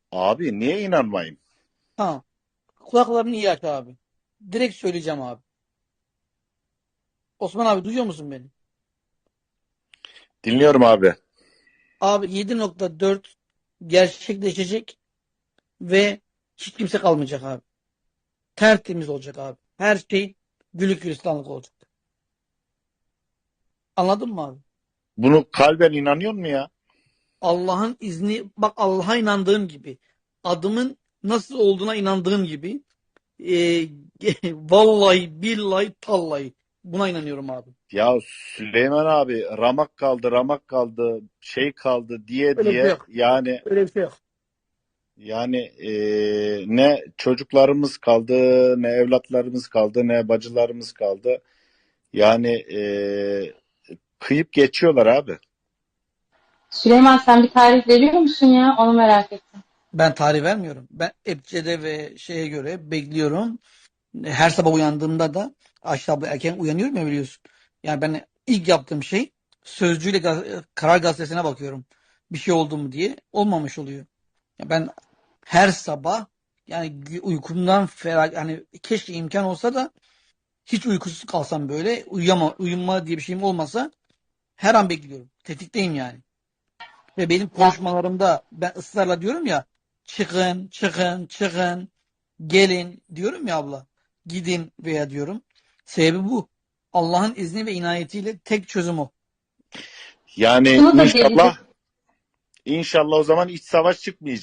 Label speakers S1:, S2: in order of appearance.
S1: Abi niye inanmayayım?
S2: Ha, kulaklarını iyi aç abi. Direkt söyleyeceğim abi. Osman abi duyuyor musun beni?
S1: Dinliyorum abi.
S2: Abi 7.4 gerçekleşecek ve hiç kimse kalmayacak abi. Tertemiz olacak abi. Her şey güllük gülistanlık olacak. Anladın mı abi?
S1: Bunu kalben inanıyor mu ya?
S2: Allah'ın izni, bak Allah'a inandığım gibi, adımın nasıl olduğuna inandığım gibi, e, vallahi billahi tallahi buna inanıyorum abi.
S1: Ya Süleyman abi ramak kaldı, ramak kaldı, şey kaldı diye
S2: Öyle bir şey
S1: diye
S2: yok.
S1: yani
S2: Öyle bir şey yok.
S1: ne çocuklarımız kaldı, ne evlatlarımız kaldı, ne bacılarımız kaldı. Yani kıyıp geçiyorlar abi.
S3: Süleyman sen bir tarih veriyor musun ya? Onu merak ettim.
S2: Ben tarih vermiyorum. Ben Ebcede ve şeye göre bekliyorum. Her sabah uyandığımda da Ayşe abla erken uyanıyorum ya biliyorsun. Yani ben ilk yaptığım şey Sözcü'yle Karar Gazetesi'ne bakıyorum. Bir şey oldu mu diye. Olmamış oluyor. Ya ben her sabah yani uykumdan ferah yani keşke imkan olsa da hiç uykusuz kalsam böyle uyuma diye bir şeyim olmasa her an bekliyorum. Tetikteyim yani. Ve benim
S3: Ya,
S2: konuşmalarımda ben ısrarla diyorum ya çıkın, çıkın, çıkın, gelin diyorum ya abla. Gidin veya diyorum. Sebebi bu. Allah'ın izni ve inayetiyle tek çözüm o.
S1: Yani
S3: şunu da
S1: inşallah
S3: gelecek
S1: inşallah o zaman iç savaş çıkmayacak.